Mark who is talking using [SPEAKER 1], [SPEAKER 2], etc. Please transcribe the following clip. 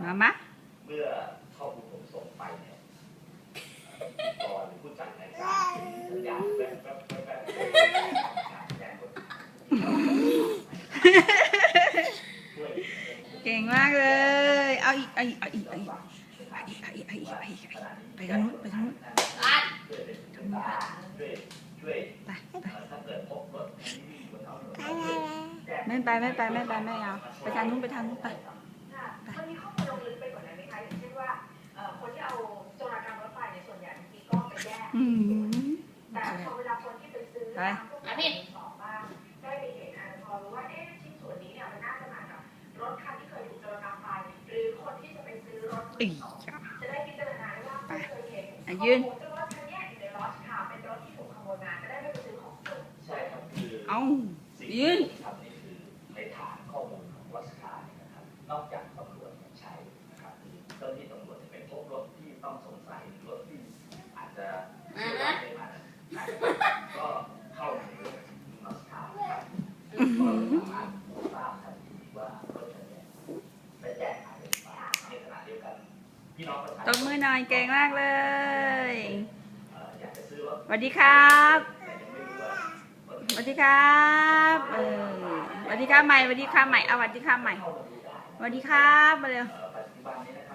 [SPEAKER 1] มะ
[SPEAKER 2] เมื่อข้อมูลผมส่งไปเนี่ยก่อนผู้จัดรายการสัญญาณแว๊บแจ้งกด
[SPEAKER 1] เก่งมากเลยเอาอีกไปทางนู้นไปทางนู้น
[SPEAKER 2] ไป
[SPEAKER 1] ไม่เอาไปทางนู้นไป
[SPEAKER 3] มันมีข้อมูลลงลึกไปกว่านั้นไหมคะอย่างเช่นว่าคนที่เอาโจรกรรมรถไฟในส่วนใหญ่บางทีก็ไปแยกแต่พอเวลาคนที่ไปซื้อพวกนี้สองบ้างได้ไปเห็นพอรู้ว่าชิ้นส่วนนี้เนี่ยมันน่าจะมากับรถคันที่เคยถูกโจรกรรมไปหรือคนที่จะไปซื้อรถมือสองจะได้พิจารณาว่าเคยเห็นข้อมูลว่าคันนี้อยู่ในรถค่ะเป็นรถที่ถูกขโมยมาจะได้ไม่ไปซื้อของโจร
[SPEAKER 2] ใช่ครับคือ
[SPEAKER 1] เอายืน
[SPEAKER 2] ทำนี่คือในฐานข้อมูลของรัชการนะครับนอกจากตำรวจใช้นะครับคือเจ้าหน้าที่ตำรวจจะเป็นพบรถที่ต้องสงสัยรถที่อาจจะไม่ได้มาก็เข้าถึงรัชการนะครับก็สามารถทราบทันทีว่ารถคันนี้ได้แจ้งหายไปในขณะเดียวกันพี่น้องประชาชน
[SPEAKER 1] ตบมือหน่อยเก่งมากเลย
[SPEAKER 2] อยากจะซื้อรถ
[SPEAKER 1] สวัสดีครับ
[SPEAKER 2] แต่ยังไม่รู้ว่า
[SPEAKER 1] สวัสดีครับสวัสดีครับใหม่สวัสดีครับใหม่เอาสวัสดีครับใหม่สวัสดีครับมาเร็ว
[SPEAKER 2] ปัจจุบันนี้